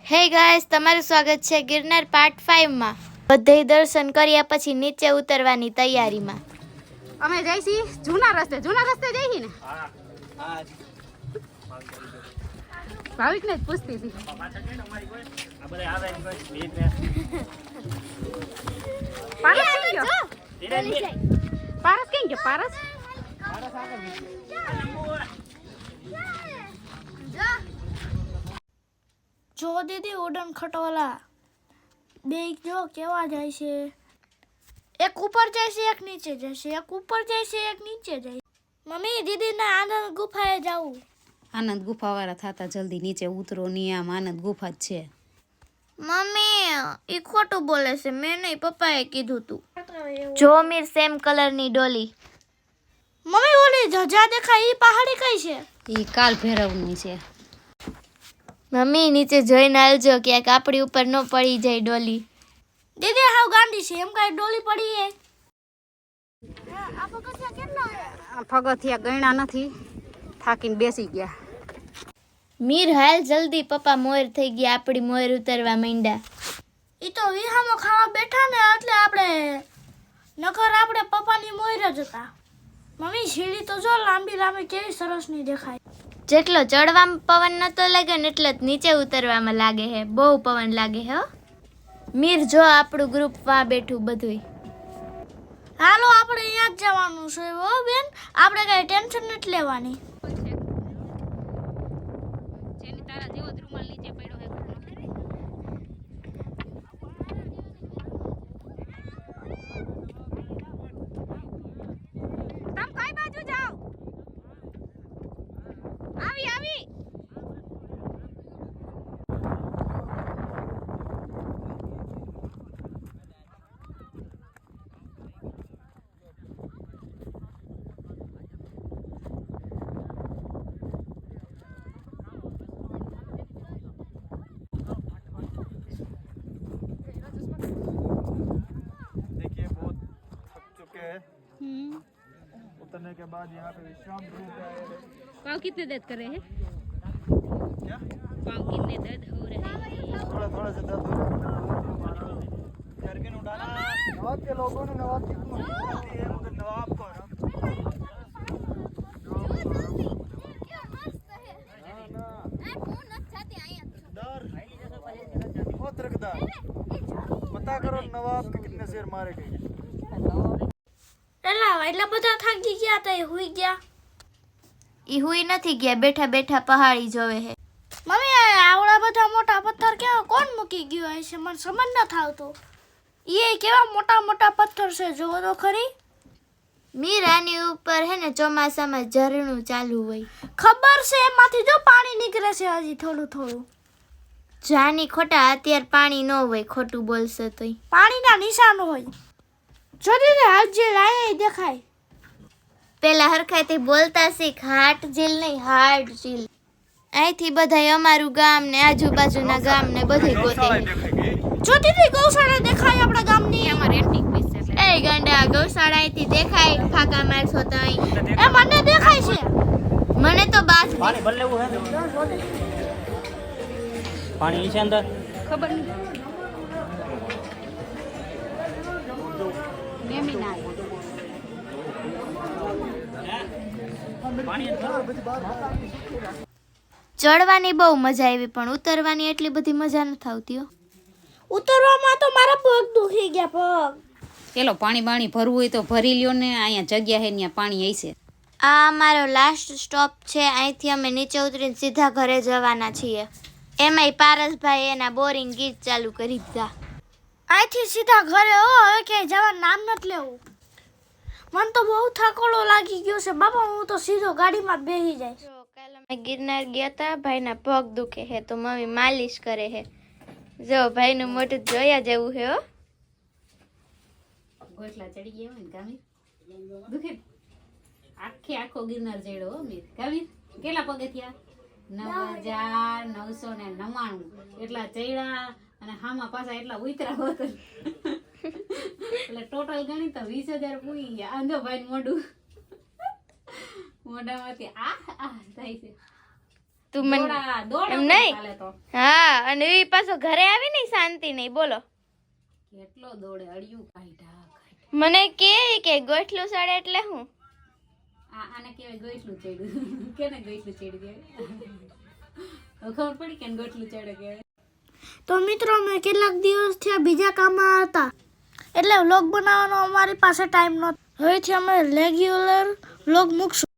હે ગાઈસ, તમારું સ્વાગત છે ગિરનાર પાર્ટ 5 માં. બધે દર્શન કર્યા પછી નીચે ઉતરવાની તૈયારીમાં. અમે જઈશી જૂના રસ્તે જઈશી ને. ભાવિક ને જ પૂછતી હતી. પારસ કેમ ગયો પારસ? જો દીદી ઉડન ખટોલા બે જો કેવા જાય છે. એક ઉપર જાય છે, એક નીચે જાય છે, એક ઉપર જાય છે, એક નીચે જાય. મમ્મી દીદી ના આનંદ ગુફાએ જાવું. આનંદ ગુફા વાળા થતા જલ્દી નીચે ઉતરો ની, આમ આનંદ ગુફા જ છે. મમ્મી ઈ ખોટું બોલે છે, મેં નહીં, પપ્પાએ કીધું તું. જો મીર સેમ કલરની ડોલી. મમ્મી ઓલી ધજા દેખાય ઈ પહાડી કઈ છે? ઈ કાલ ભૈરવની છે. મમ્મી નીચે જોઈને આવજો ક્યાંક આપણી ઉપર ન પડી જાય ડોલી. દીદી હાવ ગાંડી છે, એમ કઈ ડોલી પડી હે? પગથિયા ગયણા નથી, થાકીને બેસી ગયા. મીર હાલ જલ્દી, પપ્પા મોર થઈ ગયા, આપણી મોર ઉતરવા માંડ્યા. ઈ તો વિહામો ખાવા બેઠા ને એટલે આપણે નકર આપણે પપ્પાની મોર જ હતા. મમ્મી સીડી તો જો લાંબી લાંબી કેવી સરસ ની દેખાય. જેટલો ચડવામાં પવન નતો લાગે ને એટલો જ નીચે ઉતરવામાં લાગે હે, બહુ પવન લાગે હે. મીર જો આપણું ગ્રુપ માં બેઠું બધુંય. હાલો આપણે અહીંયા જ જવાનું છે હો બેન, આપણે કઈ ટેન્શન નથી લેવાની. उतरने के बाद यहाँ पे विश्राम गृह है। पाँव कितने दर्द कर रहे हैं? क्या? पाँव कितने दर्द हो रहे हैं? थोड़ा थोड़ा सा दर्द हो रहा है। जरकिन उठाना। नवाब के लोगों ने नवाब की होती है, मगर नवाब को ना। बहुत रखदार। पता करो नवाब के कितने शेर मारे गए। એટલા બધા થાકી ગયા તો એ હુઈ ગયા. ઈ હુઈ નથી ગયા, બેઠા બેઠા પહાડી જોવે હે. મમ્મી આવડા બધા મોટા પથ્થર કેવા કોણ મૂકી ગયો હશે? મને સમજ ન થાવતો. એ કેવા મોટા મોટા પથ્થર છે, જોવો તો ખરી. મીર આની ઉપર હે ને ચોમાસામાં ઝરણું ચાલુ હોય. ખબર છે, એમાંથી જો પાણી નીકળે છે હજી થોડું થોડું. જાની ખોટા, અત્યારે પાણી ન હોય, ખોટું બોલશે તોય. પાણીના નિશાન હોય. જો દીદી હાથ જે લાયા દેખાય. પેલા હરખાઈથી બોલતા શીખ, હાટ ઝીલ નહીં, હાર્ટ ઝીલ. અહીંથી બધાય અમારું ગામ ને આજુબાજુના ગામ ને બધું ગોતે. જો દીદી ગૌશાળા દેખાય આપણા ગામની. અમારે એન્ટિક પીસ છે. એ ગંડા, ગૌશાળા અહીંથી દેખાય, ફાકા મારશો તો અહીં. એ મને દેખાય છે. મને તો બાસ पानी भर लेवो है पानी છે અંદર ખબર નહીં. મેમી ના ચડવાની બહુ મજા આવી, પણ ઉતરવાની એટલી બધી મજા નથી આવતી હો. ઉતરવામાં તો મારા પગ દુખી ગયા પગ. પેલો પાણી બાણી ભરવું હોય તો ભરી લ્યો ને, અહીંયા જગ્યા હે ત્યાં પાણી હશે. આ અમારો લાસ્ટ સ્ટોપ છે, અહીંથી અમે નીચે ઉતરીને સીધા ઘરે જવાના છીએ. એમાંય પારસભાઈ એના બોરિંગ ગીત ચાલુ કરી દીધા. અહીંથી સીધા ઘરે હો, હવે ક્યાંય જવાનું નામ નથી લેવું. મને તો બહુ થાકોડો લાગી ગયો છે બાપા, હું તો સીધો ગાડીમાં જ બેસી જાય. જો કાલ અમે ગિરનાર ગયા હતા, ભાઈના પગ દુખે છે તો મમ્મી માલિશ કરે છે. જો ભાઈનું મોઢું જોયા જેવું છે હો. ગોટલા ચડી ગયા હોય ને કામીર દુખે. આખો ગિરનાર ચડ્યો હો મીર. કામીર કેટલા પગથિયા? 9999 એટલા ચડ્યા અને હામાં પાછા એટલા ઉતરા હોત. એટલે ટોટલ ગણી તો 20,000 પૂરી ગયા. આંધો ભાઈ મોઢું મોઢામાંથી આ થાય છે. તું મને દોડ એમ નહીં. ચાલે તો હા અને એ પાછો ઘરે આવી ને શાંતિ નહીં બોલો કેટલો દોડે અડિયું કાઢ્યા મને કે ગોઠલું સડે એટલે હું આને કહેવાય ગોઈટલું ચડ્યું કેને ગોઈટલું ચડ્યું કહેવાય ખબર પડી કે ગોઈટલું ચડે કહેવાય તો મિત્રો અમે કેટલાક દિવસ થયા બીજા કામમાં હતા એટલે વ્લોગ બનાવવાનો અમારી પાસે ટાઈમ નહોતો. હવેથી અમે રેગ્યુલર વ્લોગ મૂકશું.